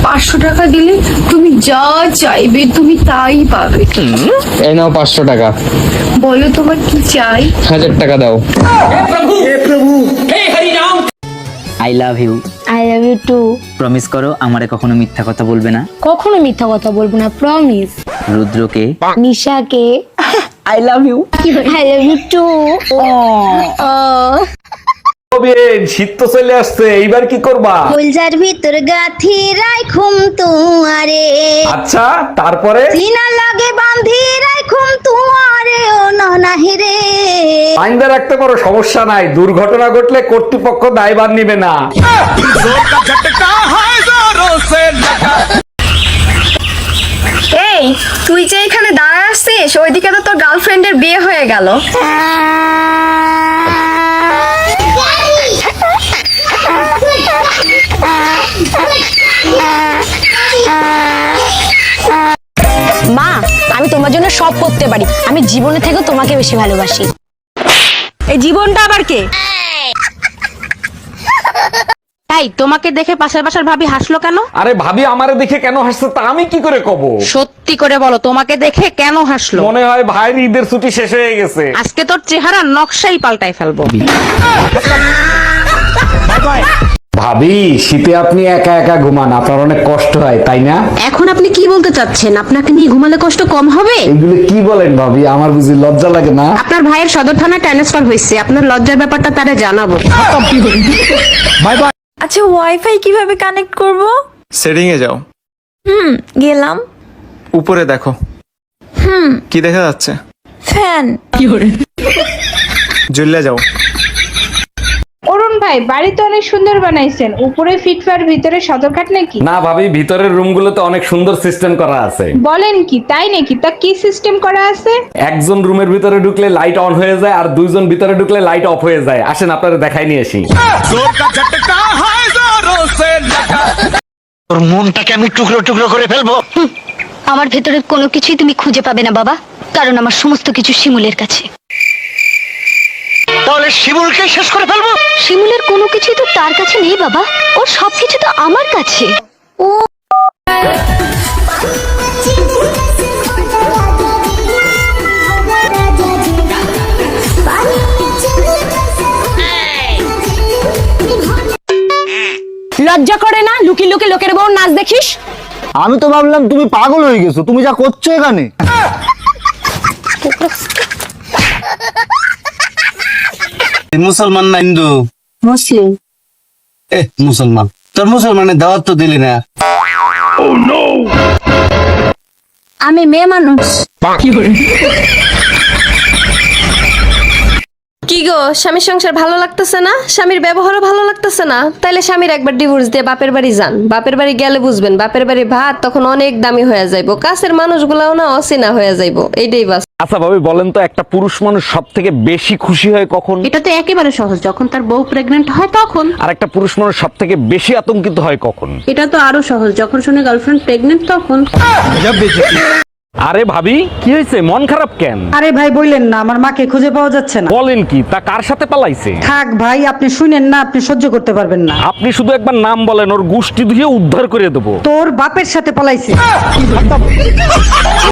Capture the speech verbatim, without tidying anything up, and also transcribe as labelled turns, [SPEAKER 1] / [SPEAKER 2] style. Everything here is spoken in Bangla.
[SPEAKER 1] পাঁচশো টাকা দিলে তুমি যা চাইবে তুমি তাই পাবে।
[SPEAKER 2] এই নাও পাঁচশো টাকা।
[SPEAKER 1] বলো তোমার কি চাই?
[SPEAKER 2] হাজার টাকা দাও।
[SPEAKER 3] I love you.
[SPEAKER 4] I love you too.
[SPEAKER 3] Promise করো আমারে কখনো মিথ্যা কথা বলবে না।
[SPEAKER 4] কখনো মিথ্যা কথা বলবো না, প্রমিস।
[SPEAKER 3] রুদ্রকে,
[SPEAKER 4] নিশাকে
[SPEAKER 3] I love you.
[SPEAKER 4] I love you too.
[SPEAKER 5] শীত তো চলে আসছে, এইবার কি করবা?
[SPEAKER 4] ফুলজার ভিতর গাথি রাইখুম তুয়ারে,
[SPEAKER 5] আচ্ছা তারপরে?
[SPEAKER 4] সিনা লাগে বাঁধি রাইখুম তুয়ারে ও ননাহি রে।
[SPEAKER 5] আইনদা রাখতে পারো, সমস্যা নাই। দুর্ঘটনা ঘটলে কর্তৃপক্ষ দায়ভার নিবে না।
[SPEAKER 1] এই তুই যে এখানে দাঁড়ায় আসছিস, ওইদিকে তো তোর গার্লফ্রেন্ডের বিয়ে হয়ে গেল।
[SPEAKER 4] মা, আমি তোমার জন্য সব করতে পারি। আমি জীবনে থেকে তোমাকে বেশি ভালোবাসি।
[SPEAKER 6] এই জীবনটা আবার কে? তাই তোমাকে দেখে পাশের পাশের ভাবি হাসলো কেন?
[SPEAKER 5] আরে ভাবি আমারে দেখে কেন হাসছে তা আমি কি করে কব?
[SPEAKER 6] সত্যি করে বলো, তোমাকে দেখে কেন হাসলো?
[SPEAKER 5] মনে হয় ভাইয়ের ঈদের ছুটি শেষ হয়ে গেছে।
[SPEAKER 6] আজকে তোর চেহারা নকশাই পাল্টাই ফেলবো।
[SPEAKER 5] ভাবি শীতে আপনি একা একা ঘুমান, আপনার অনেক কষ্ট হয় তাই না?
[SPEAKER 6] এখন আপনি কি বলতে চাচ্ছেন? আপনাকে নিয়ে ঘুমালে কষ্ট কম হবে?
[SPEAKER 5] এগুলো কি বলেন ভাবি, আমার বুঝি লজ্জা লাগে না?
[SPEAKER 6] আপনার ভাইয়ের সদর থানায় ট্রান্সফার হয়েছে, আপনার লজ্জার ব্যাপারটা তারে জানাবো।
[SPEAKER 5] Bye bye.
[SPEAKER 7] আচ্ছা, ওয়াইফাই কিভাবে কানেক্ট করব?
[SPEAKER 8] সেটিং এ যাও।
[SPEAKER 7] হুম, গেলাম।
[SPEAKER 8] উপরে দেখো।
[SPEAKER 7] হুম,
[SPEAKER 8] কি দেখা যাচ্ছে?
[SPEAKER 7] ফ্যান।
[SPEAKER 8] জ্বলে যাও।
[SPEAKER 9] অরুণ ভাই, বাড়ি তো অনেক সুন্দর বানাইছেন, উপরে ফিটফার ভিতরে সদরঘাট নাকি?
[SPEAKER 5] না ভাবি, ভিতরের রুমগুলোতে অনেক সুন্দর সিস্টেম করা আছে।
[SPEAKER 9] বলেন কি, তাই নাকি? তা কি সিস্টেম করা আছে?
[SPEAKER 5] একজন রুমের ভিতরে ঢুকলে লাইট অন হয়ে যায়, আর দুইজন ভিতরে ঢুকলে লাইট অফ হয়ে যায়। আসেন আপনারা দেখাই নিয়ে আসি।
[SPEAKER 10] তোর মনটাকে আমি টুকরো টুকরো করে ফেলবো।
[SPEAKER 4] আমার ভেতরে কোনো কিছুই তুমি খুঁজে পাবে না বাবা, কারণ আমার সমস্ত কিছু শিমুলের কাছে।
[SPEAKER 10] তাহলে শিমুলকে শেষ করে ফেলবো।
[SPEAKER 4] শিমুলের কোনো কিছুই তো তার কাছে নেই বাবা, ওর সবকিছু তো আমার কাছে। ও লজ্জা করে না লুকি লুকি লোকের বউ নাচ দেখিস?
[SPEAKER 10] আমি তো ভাবলাম তুমি পাগল হয়ে গেছো, তুমি যা করছো এখানে। মুসলমান না হিন্দু?
[SPEAKER 4] মুসলিম।
[SPEAKER 10] এ মুসলমান, তোর মুসলমানের দাওয়াত তো দিলি না।
[SPEAKER 4] আমি মেয়ে মানুষ।
[SPEAKER 1] কি গো, স্বামীর সংসার ভালো লাগতেছে না? স্বামীর ব্যবহারও ভালো লাগতেছে না? তাইলে স্বামীর একবার ডিভোর্স দিয়ে বাপের বাড়ি যান। বাপের বাড়ি গেলে বুঝবেন, বাপের বাড়ি ভাত তখন অনেক দামি হয়ে যাইবো, কাছের মানুষগুলাও না অচেনা হয়ে যাইবো। এইটাই বাস।
[SPEAKER 5] আচ্ছা ভাবি বলেন তো, একটা পুরুষ মানুষ সব থেকে বেশি খুশি হয় কখন?
[SPEAKER 6] এটা তো একেবারে সহজ, যখন তার বউ প্রেগনেন্ট হয় তখন।
[SPEAKER 5] আর একটা পুরুষ মানুষ সব থেকে বেশি আতঙ্কিত হয় কখন?
[SPEAKER 6] এটা তো আরো সহজ, যখন শুনে গার্লফ্রেন্ড প্রেগনেন্ট তখন।
[SPEAKER 5] আরে ভাবি কি হয়েছে, মন খারাপ কেন?
[SPEAKER 11] আরে ভাই বললেন না, আমার মাকে খুঁজে পাওয়া যাচ্ছে না।
[SPEAKER 5] বলেন কি, তা কার সাথে পালাইছে?
[SPEAKER 11] থাক ভাই, আপনি শুনেন না, আপনি সহ্য করতে পারবেন না।
[SPEAKER 5] আপনি শুধু একবার নাম বলেন, ওর গোষ্ঠী ধুয়ে উদ্ধার করে দেবো।
[SPEAKER 11] তোর বাপের সাথে পালাইছে।